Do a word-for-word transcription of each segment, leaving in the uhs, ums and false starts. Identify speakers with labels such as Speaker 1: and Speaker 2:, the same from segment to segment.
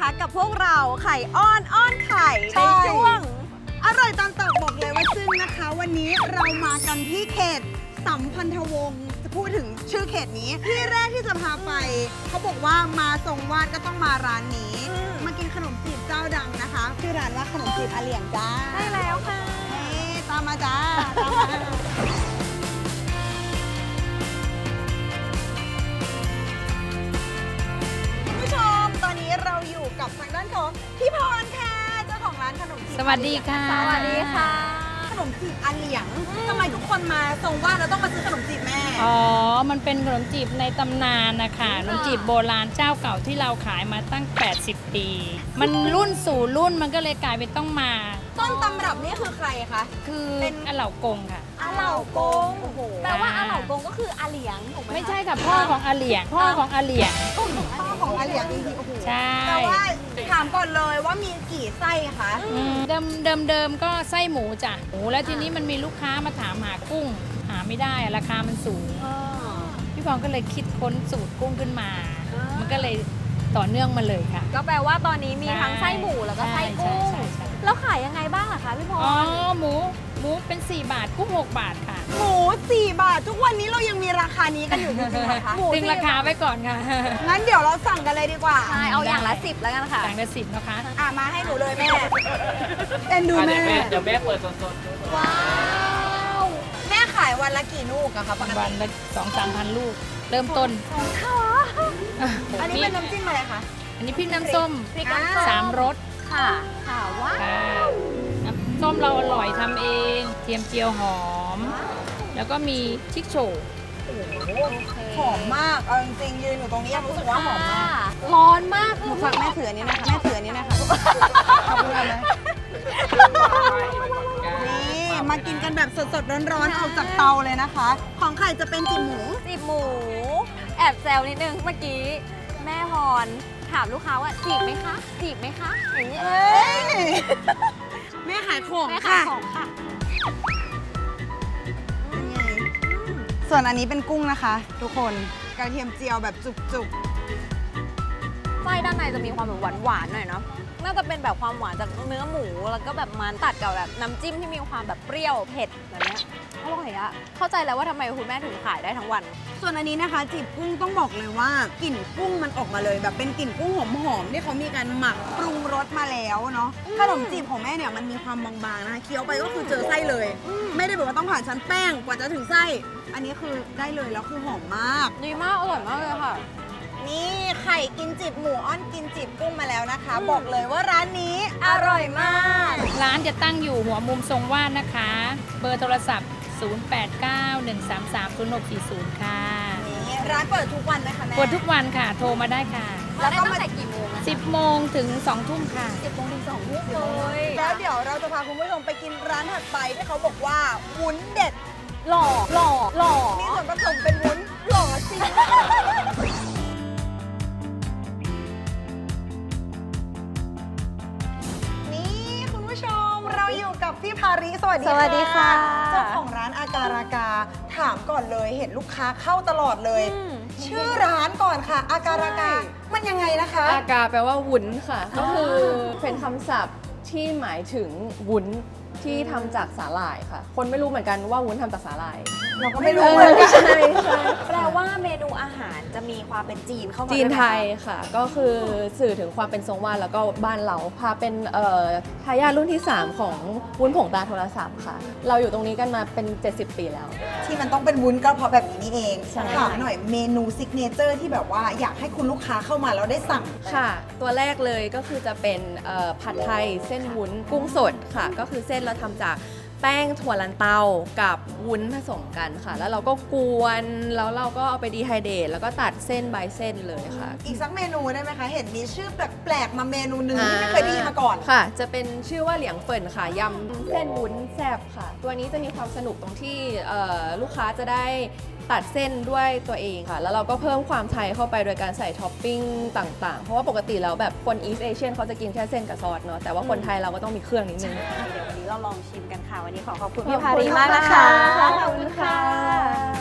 Speaker 1: นะคะกับพวกเราไข่อ้อนอ้อนไข่ในช่วง
Speaker 2: อร่อยตามตอกบอกเลยว่าซึ่งนะคะ วันนี้เรามากันที่เขตสัมพันธวงศ์จะพูดถึงชื่อเขตนี้ที่แรกที่จะพาไปเขาบอกว่ามาทรงวาดก็ต้องมาร้านนี้มากินขนมจีบเจ้าดังนะคะชื่อร้านว่าขนมจีบอาเหลียงจ้า
Speaker 1: ได้แล้วค่ะ
Speaker 2: เฮ้ตามมาจ้าตามมาคุณผู้ชมตอนนี้เราอยู่กับทางด้านของพี่พรค่ะเจ้าของร้านขนมจีบ
Speaker 3: สวัสดีค่ะ
Speaker 1: สวัสดีค่ะ
Speaker 2: ขนมจีบอาเหลียงทำไมทุกคนมาทรงวาดแล้วต้องมาซื้อขนมจีบแม่
Speaker 3: อ๋อ มันเป็นขนมจีบในตำนานนะคะขนมจีบโบราณเจ้าเก่าที่เราขายมาตั้ง แปดสิบ ปี มันรุ่นสู่รุ่นมันก็เลยกลายเป็นต้องมา
Speaker 2: ต้นตำรับนี่คือใครคะ
Speaker 3: คือ
Speaker 2: เป็น
Speaker 3: อาเหล่ากงค่ะ
Speaker 1: อาเหล่ากงแปลว่าอาเหล่ากงก็คืออาเหลียงถูกไหมคะ
Speaker 3: ไม่ใช่ค่ะพ่อของอาเหลียง พ่อของอาเหลียง
Speaker 2: พ่อของอาเหลียงจริงๆโอ้โห
Speaker 3: ใช่
Speaker 2: แต่ว่าถามก่อนเลยว่ามีกี่ไส้คะ
Speaker 3: อืมเดิมเดิมเดิมก็ไส้หมูจ้ะหมูแล้วทีนี้มันมีลูกค้ามาถามหากุ้ง หาไม่ได้อะราคามันสูง พี่พรก็เลยคิดค้นสูตรกุ้งขึ้นมา มันก็เลยต่อเนื่องมาเลยค่ะ
Speaker 1: ก็แปลว่าตอนนี้มีทั้งไส้หมูแล้วก็ไส้กุ้ง
Speaker 3: ใช่ใช่ใช่
Speaker 1: แล้วขายยังไงบ้างล่ะคะพี่พร
Speaker 3: อ๋อหมูหมูเป็น สี่ บาทกุ้ง หก บาทค่ะ
Speaker 2: หมูสี่บาททุกวันนี้เรายังมีราคานี้กันอยู่จริงๆเหรอคะ
Speaker 1: หมู
Speaker 3: ดึงราคาไว้ก่อนค่ะ
Speaker 2: งั้นเดี๋ยวเราสั่งกันเลยดีกว่า
Speaker 1: ใช่เอาอย่างละสิบแล้วกันค่ะ
Speaker 3: ต่างละสิบนะคะ
Speaker 2: อ่ะมาให้หนูเลยแม่เอ็นดูแม่
Speaker 4: เดี๋ยวแม่เปิดสด
Speaker 2: ว้าวแม่ขายวันละกี่ลูกอะคะปก
Speaker 3: วั
Speaker 2: ติ
Speaker 3: นละสองสามพันลูก เริ่มต้น
Speaker 2: อันนี้เป็นน้ำจิ้มอะไรคะ
Speaker 3: อันนี้พริกน้ำส้ม
Speaker 1: พริกน้ำส้ม
Speaker 3: สามรส
Speaker 1: ค่ะค่ะว้าว
Speaker 3: ค่ะน้ำส้มเราอร่อยทำเอง เทียมเจียวหอม แล้วก็มีชิกโฉว
Speaker 2: หอมมากเอาจริงๆยืนอยู่ตรงนี้ยังรู้สึกว่าหอมมาก
Speaker 1: ร้อนมาก
Speaker 2: หนูฝากแม่ถืออันนี้นะคะแม่ถืออันนี้นะคะขอบคุณค่ะแม่นี่มากินกันแบบสดๆร้อนๆออกจากเตาเลยนะคะ ของไข่จะเป็นจิ๋มหมู
Speaker 1: จีบหมู แอบแซวนิดนึงเมื่อกี้ แม่พรถามลูกค้าว่าจีบไหมคะ จีบไหมคะอย่างนี้
Speaker 2: เอ้ยแม่ขายของ
Speaker 1: แม่ขาย
Speaker 2: ค่ะ
Speaker 1: ของค่ะ
Speaker 2: เป็นไงส่วนอันนี้เป็นกุ้งนะคะ ทุกคนกระเทียมเจียวแบบจุก
Speaker 1: ไส้ด้านในจะมีความแบบหวานๆหน่อยเนาะ น่าจะเป็นแบบความหวานจากเนื้อหมู แล้วก็แบบมันตัดกับแบบน้ำจิ้มที่มีความแบบเปรี้ยวเผ็ดแบบเนี้ยอร่อยอะเข้าใจแล้วว่าทำไมคุณแม่ถึงขายได้ทั้งวัน
Speaker 2: ๆส่วนอันนี้นะคะจีบกุ้งต้องบอกเลยว่ากลิ่นกุ้งมันออกมาเลย แบบเป็นกลิ่นกุ้งหอมๆที่เขามีการหมักปรุงรสมาแล้วเนาะขนมจีบของแม่เนี่ยมันมีความบางๆนะคะเคี้ยวไปก็คือเจอไส้เลย ไม่ได้แบบว่าต้องผ่านชั้นแป้งกว่าจะถึงไส้ อันนี้คือได้เลยแล้วคือหอมมาก
Speaker 1: ดีมาก อร่อยมากเลยค่ะ
Speaker 2: นี่ไข่กินจีบหมูอ้อนกินจีบกุ้งมาแล้วนะคะ บอกเลยว่าร้านนี้อร่อยมาก
Speaker 3: ร้านจะตั้งอยู่หัวมุมทรงวาดนะคะ เบอร์โทรศัพท์ ศูนย์ แปด เก้า หนึ่ง สาม สาม ศูนย์ หก สี่ ศูนย์ ค่ะ
Speaker 2: นี่ร้านเปิดทุกวันไหมคะแม่
Speaker 3: เปิดทุกวันค่ะ โทรมาได้ค่ะ
Speaker 1: แล้วก็ตั้งแต่กี่โมงอะ
Speaker 3: สิบ โมงถึง สอง ทุ่มค่ะ
Speaker 1: สิบโมงถึงสองทุ่มเลย
Speaker 2: แล้วเดี๋ยวเราจะพาคุณผู้ชมไปกินร้านถัดไปที่เขาบอกว่าวุ้นเด็ด
Speaker 1: หล่อหล่อหล่อ
Speaker 2: มีส่วนผสมเป็นวุ้นหล่อจริงนี่คุณผู้ชมเราอยู่กับพี่ภาริสวัสดี
Speaker 1: สวัสดีค่ะ
Speaker 2: เจ้าของร้านอาการากาถามก่อนเลยเห็นลูกค้าเข้าตลอดเลย
Speaker 1: อืม
Speaker 2: ชื่อร้านก่อนค่ะ อาการากา มันยังไงนะคะ
Speaker 5: อากาแปลว่าวุ้นค่ะ ก็คือเป็นคำศัพท์ที่หมายถึงวุ้นที่ทำจากสาหร่ายค่ะ คนไม่รู้เหมือนกันว่าวุ้นทำจากสาหร่าย
Speaker 2: เราก็ไม่รู้เหมือนกัน
Speaker 5: ใช่ใช่
Speaker 1: แปลว่าเมนูอาหารจะมีความเป็นจีนเข้ามา
Speaker 5: จีน
Speaker 1: ด้วยหม
Speaker 5: ไทยค่ะ ก็คือสื่อถึงความเป็นทรงวาดแล้วก็บ้านเราพาเป็นเอ่อทายาทรุ่นที่ สาม ของวุ้นผงตาโทรศัพท์ค่ะ เราอยู่ตรงนี้กันมาเป็น เจ็ดสิบ ปีแล้ว
Speaker 2: ที่มันต้องเป็นวุ้นก็เพราะแบบนี้นี่เอง
Speaker 5: ใช่
Speaker 2: ถามหน่อยเมนูซิกเนเจอร์ที่แบบว่าอยากให้คุณลูกค้าเข้ามาแล้วได้สั่ง
Speaker 5: ค่ะ ตัวแรกเลยก็คือจะเป็นเอ่อผัดไทยเส้นวุ้นกุ้งสดค่ะ ก็คือเส้นเราทำจากแป้งถั่วลันเตากับวุ้นผสมกันค่ะ แล้วเราก็กวนแล้วเราก็เอาไปดีไฮเดรตแล้วก็ตัดเส้นใบเส้นเลยค่ะ
Speaker 2: อีกสักเมนูได้ไหมคะ เห็นมีชื่อแปลกๆมาเมนูหนึ่งที่ไม่เคยได้ยินมาก่อน
Speaker 5: ค่ะ จะเป็นชื่อว่าเหลียงเฟินค่ะยำเส้นวุ้นแซ่บค่ะ ตัวนี้จะมีความสนุกตรงที่เอ่อลูกค้าจะได้ตัดเส้นด้วยตัวเองค่ะ แล้วเราก็เพิ่มความไทยเข้าไปโดยการใส่ท็อปปิ้งต่างๆ เพราะว่าปกติแล้วแบบคนอีสเอเชียนเขาจะกินแค่เส้นกับซอสเนาะแต่ว่าคนไทยเราก็ต้องมีเครื่องนิดนึง
Speaker 1: เดี๋ยววันนี้เราลองชิมกันค่ะ วันนี้ขอขอบคุณ
Speaker 2: ขอบ
Speaker 1: พี่
Speaker 2: คุณ
Speaker 1: พารีมากนะคะ
Speaker 2: ค่ะ
Speaker 1: ขอบคุณค่ะ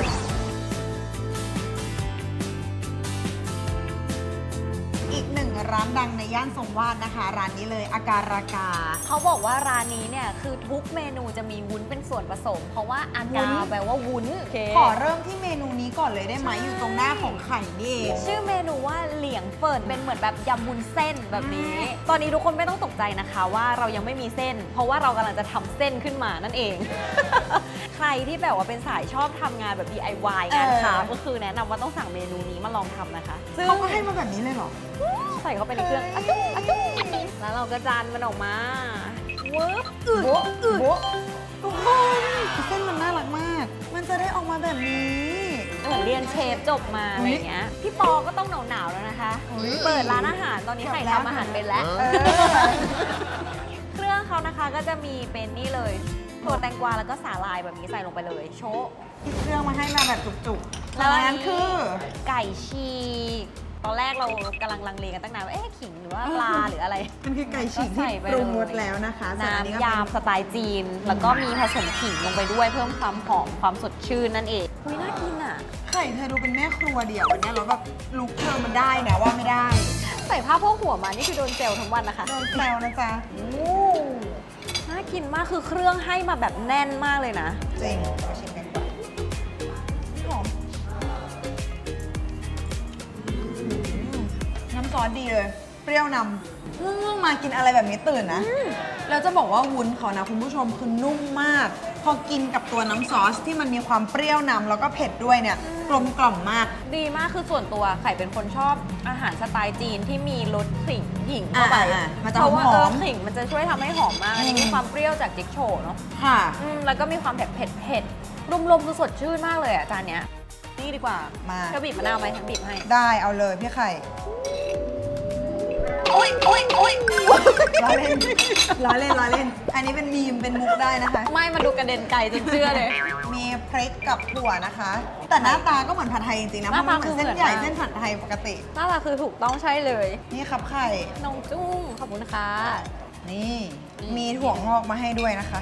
Speaker 2: อีกหนึ่งร้านดังในย่านทรงวาดนะคะ ร้านนี้เลยอาการากา
Speaker 1: เขาบอกว่าร้านนี้เนี่ยคือทุกเมนูจะมีวุ้นเป็นส่วนผสม เพราะว่าอากาแปลว่าวุ้น
Speaker 2: ขอเริ่มที่เมนูนี้ก่อนเลยได้ไหมอยู่ตรงหน้าของไข่นี่เอง
Speaker 1: ชื่อเมนูว่าเหลียงเฟินเป็นเหมือนแบบยำวุ้นเส้นแบบนี้ ตอนนี้ทุกคนไม่ต้องตกใจนะคะว่าเรายังไม่มีเส้น เพราะว่าเรากำลังจะทำเส้นขึ้นมานั่นเอง ใครที่แบบว่าเป็นสายชอบทำงานแบบ ดี ไอ วาย งานคราฟต์ก็คือแนะนำว่าต้องสั่งเมนูนี้มาลองทำนะคะซึ่ง
Speaker 2: เขาก็ให้มาแบบนี้เลยเหรอ
Speaker 1: ใส่เข้าไปในเครื่องอะจุ๊บอะจุ๊บแล้วเราก็จานมันออกมาเวิร์บอึด
Speaker 2: โบ๊ะ
Speaker 1: อึด
Speaker 2: โบ๊ะทุกคนเส้นมันน่ารักมาก มันจะได้ออกมาแบบนี้
Speaker 1: เหมือนเรียนเชฟจบมาอะไรอย่างเงี้ยพี่ปอก็ต้องหนาวๆแล้วนะคะ
Speaker 2: อุ๊ย
Speaker 1: เปิดร้านอาหารตอนนี้ไข่ทำอาหารเป็นแล้ว
Speaker 2: เออ
Speaker 1: เครื่องเขานะคะก็จะมีเป็นนี่เลยถั่วแตงกวาแล้วก็สาลายแบบนี้ใส่ลงไปเลยโชะ
Speaker 2: ที่เครื่องมาให้มาแบบจุกๆ
Speaker 1: แล้วอันนี้
Speaker 2: นั้นคือ
Speaker 1: ไก่ฉีกตอนแรกเรากำลังลังเลกันตั้งนานว่าเอ๊ะขิงหรือว่าปลาหรืออะไร
Speaker 2: มันคือไก่ฉีก
Speaker 1: ก็
Speaker 2: ที่
Speaker 1: ใส่ไป
Speaker 2: ปรุงรส
Speaker 1: เลย
Speaker 2: แล้วนะคะส่วนอันนี้ก็
Speaker 1: น้ำ
Speaker 2: เป็น
Speaker 1: ยำสไตล์จีน แล้วก็มีผสมขิงลงไปด้วยเพิ่มความหอมความสดชื่นนั่นเองอุ้ยน่ากินอ่ะ
Speaker 2: ไข่เธอดูเป็นแม่ครัวเดี่ยววันนี้เราแบบลุกเธอมันได้นะว่าไม่ได้
Speaker 1: ใส่ผ้าโพกหัวมานี่คือโดนเซลทั้งวันนะคะ
Speaker 2: โดนแซวนะจ๊ะ
Speaker 1: โอ้น่ากินมากคือเครื่องให้มาแบบแน่นมากเลยนะ
Speaker 2: จริงมาชิมกันก่อนหอมอืมน้ำซอสดีเลย เปรี้ยวนำเพิ่งมากินอะไรแบบนี้ตื่นนะ แล้วจะบอกว่าวุ้นเขานะคุณผู้ชมคือนุ่มมาก พอกินกับตัวน้ำซอสที่มันมีความเปรี้ยวนำแล้วก็เผ็ดด้วยเนี่ย กลมกล่อมมาก
Speaker 1: ดีมากคือส่วนตัวไข่เป็นคนชอบอาหารสไตล์จีนที่มีรสขิงหญิงเข้าไป
Speaker 2: อ่าๆมันจะ
Speaker 1: เพราะว่า
Speaker 2: หอมๆ
Speaker 1: เออขิงมันจะช่วยทำให้หอมมากอันนี้
Speaker 2: อืม
Speaker 1: มีความเปรี้ยวจากจิ๊กโฉเนาะ
Speaker 2: ค่ะ
Speaker 1: อืมแล้วก็มีความเผ็ดเผ็ดเผ็ดรวมๆคือสดชื่นมากเลยอ่ะจานเนี้ยนี่ดีกว่า
Speaker 2: มา
Speaker 1: เธอบีบมะนาวไหมฉันบีบให้
Speaker 2: ได้เอาเลยพี่ไข่ โอ๊ยโอ๊ยโอ๊ยล้อเล่นล้อเล่นล้อเล่น อันนี้เป็นมีมเป็นมุกได้นะคะ
Speaker 1: ไม่มาดูกระเด็นไก่จนเชื่อเลย
Speaker 2: มีพริกกับถั่วนะคะ แต่หน้าตาก็เหมือนผัดไทยจริงๆนะ
Speaker 1: ห
Speaker 2: เพ
Speaker 1: น้า
Speaker 2: ราะ
Speaker 1: ตา
Speaker 2: มันเหมือนเส้น
Speaker 1: คือเหมือน
Speaker 2: ใหญ่
Speaker 1: มาก
Speaker 2: เส้นผัดไทยปกติ
Speaker 1: หน้าตาคือถูกต้องใช่เลย
Speaker 2: นี่ครับไข่
Speaker 1: น้องจุ้งขอบคุณค่ะ
Speaker 2: นี่
Speaker 1: อืม
Speaker 2: มีถั่วงอกมาให้ด้วยนะคะ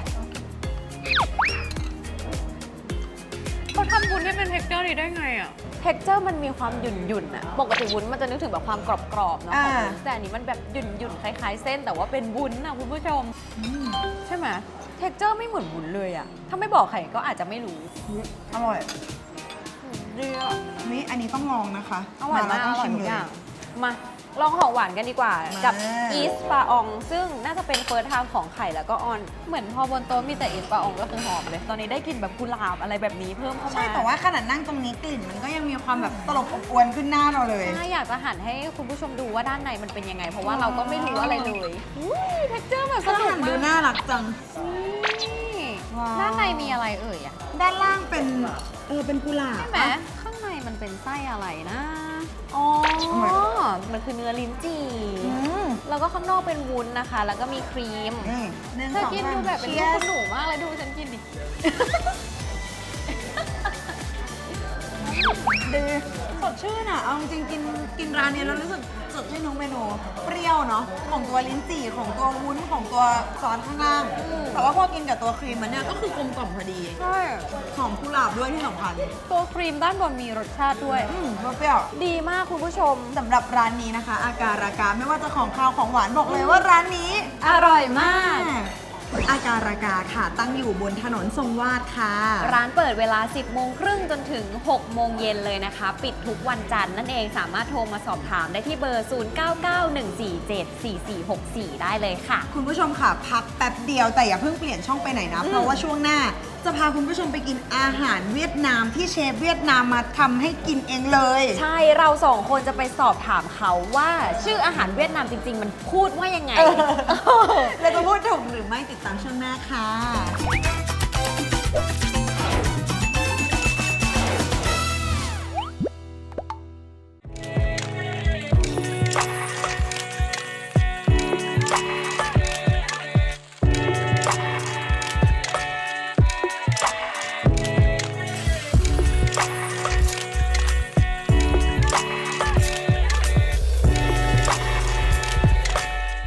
Speaker 1: เขาทำวุ้นให้เป็นเท็กเจอร์นี้ได้ไงอ่ะเท็กเจอร์มันมีความหยุ่นหยุ่นๆอะปกติวุ้นมันจะนึกถึงแบบความกรอบๆเนาะ
Speaker 2: อ่า
Speaker 1: ของวุ้นแต่อันนี้มันแบบหยุ่นหยุ่นๆคล้ายๆเส้นแต่ว่าเป็นวุ้นอะคุณผู้ชม ใช่ไหมเท็กเจอร์ไม่เหมือนวุ้นเลยอะถ้าไม่บอกใครก็อาจจะไม่รู้
Speaker 2: อร่อย
Speaker 1: ดีอะ
Speaker 2: นี่อันนี้ต้องลองนะคะ
Speaker 1: อร่อยมาก
Speaker 2: แล้ว
Speaker 1: อร่อย
Speaker 2: ชิ
Speaker 1: ทุก
Speaker 2: เล
Speaker 1: อย่างมาลองของหวานกันดีกว่า
Speaker 2: มากั
Speaker 1: กับอีสปาออง ซึ่งน่าจะเป็นเฟิร์สไทม์ของไข่แล้วก็ออน เหมือนพอบนโต๊ะมีแต่อีสปาอองก็คือหอมเลย ตอนนี้ได้กลิ่นแบบกุหลาบอะไรแบบนี้เพิ่มเข้ามา
Speaker 2: ใช่แต่ว่าขนาดนั่งตรงนี้กลิ่นมันก็ยังมีความแบบตลบอบอวนขึ้นหน้าเราเลย
Speaker 1: ถ้าอยากจะหันให้คุณผู้ชมดูว่าด้านในมันเป็นยังไง เพราะว่าเราก็ไม่รู้อะไรเลยอุ้ยเท็กเจอร์แบบส
Speaker 2: ก็
Speaker 1: นุก
Speaker 2: หันดู
Speaker 1: มาก
Speaker 2: น่ารักจัง
Speaker 1: นี่
Speaker 2: ว้าว
Speaker 1: ด้านในมีอะไรเอ่ยอะ
Speaker 2: ด้านล่างเป็นเออเป็นกุหลาบ
Speaker 1: ใช่ไหม
Speaker 2: ปะ
Speaker 1: ข้างในมันเป็นไส้อะไรนะ อ๋อ มันคือเนื้อลิ้นจี่
Speaker 2: อืม
Speaker 1: แล้วก็ข้างนอกเป็นวุ้นนะคะ แล้วก็มีครีม
Speaker 2: นี่หนึ่ง
Speaker 1: เธอ
Speaker 2: สอง
Speaker 1: กิน
Speaker 2: สาม
Speaker 1: ดูแบบเป็น
Speaker 2: ชี
Speaker 1: ลู
Speaker 2: ย
Speaker 1: ก
Speaker 2: ร์
Speaker 1: คุณหนูมากเลยดูฉันกินดิ
Speaker 2: ดีสดชื่นอ่ะ เอาจริงๆกินกินร้านนี้แล้วรู้สึกสดชื่นทุกเมนู เปรี้ยวเนาะ ของตัวลิ้นจี่ ของตัววุ้น ของตัวซอสข้างล่าง แต่ว่าพอกินกับตัวครีมมันเนี่ยก็คือกลมกล่อมพอดี
Speaker 1: ใช่
Speaker 2: หอมกุหลาบด้วยที่สำคัญ
Speaker 1: ตัวครีมด้านบนมีรสชาติด้วย
Speaker 2: อืมเปรี้ยว
Speaker 1: ดีมากคุณผู้ชม
Speaker 2: สำหรับร้านนี้นะคะ อาการากาไม่ว่าจะของข้าวของหวานบอกเลยว่าร้านนี้
Speaker 1: อร่อยมาก
Speaker 2: อาการากาค่ะตั้งอยู่บนถนนทรงวาดค่ะ
Speaker 1: ร้านเปิดเวลา สิบโมงครึ่งจนถึง หกโมงเย็นเลยนะคะ ปิดทุกวันจันทร์นั่นเอง สามารถโทรมาสอบถามได้ที่เบอร์ ศูนย์ เก้า เก้า หนึ่ง สี่ เจ็ด สี่ สี่ หก สี่ ได้เลยค่ะ
Speaker 2: คุณผู้ชมค่ะ พักแป๊บเดียวแต่อย่าเพิ่งเปลี่ยนช่องไปไหนนะ เพราะว่าช่วงหน้าจะพาคุณผู้ชมไปกินอาหารเวียดนามที่เชฟเวียดนามมาทำให้กินเองเลย
Speaker 1: ใช่ เราสองคนจะไปสอบถามเขาว่าชื่ออาหารเวียดนามจริง ๆ มันพูดว่ายังไง
Speaker 2: เราจะพูดถูกหรือไม่ติดตามช่วงหน้าค่ะ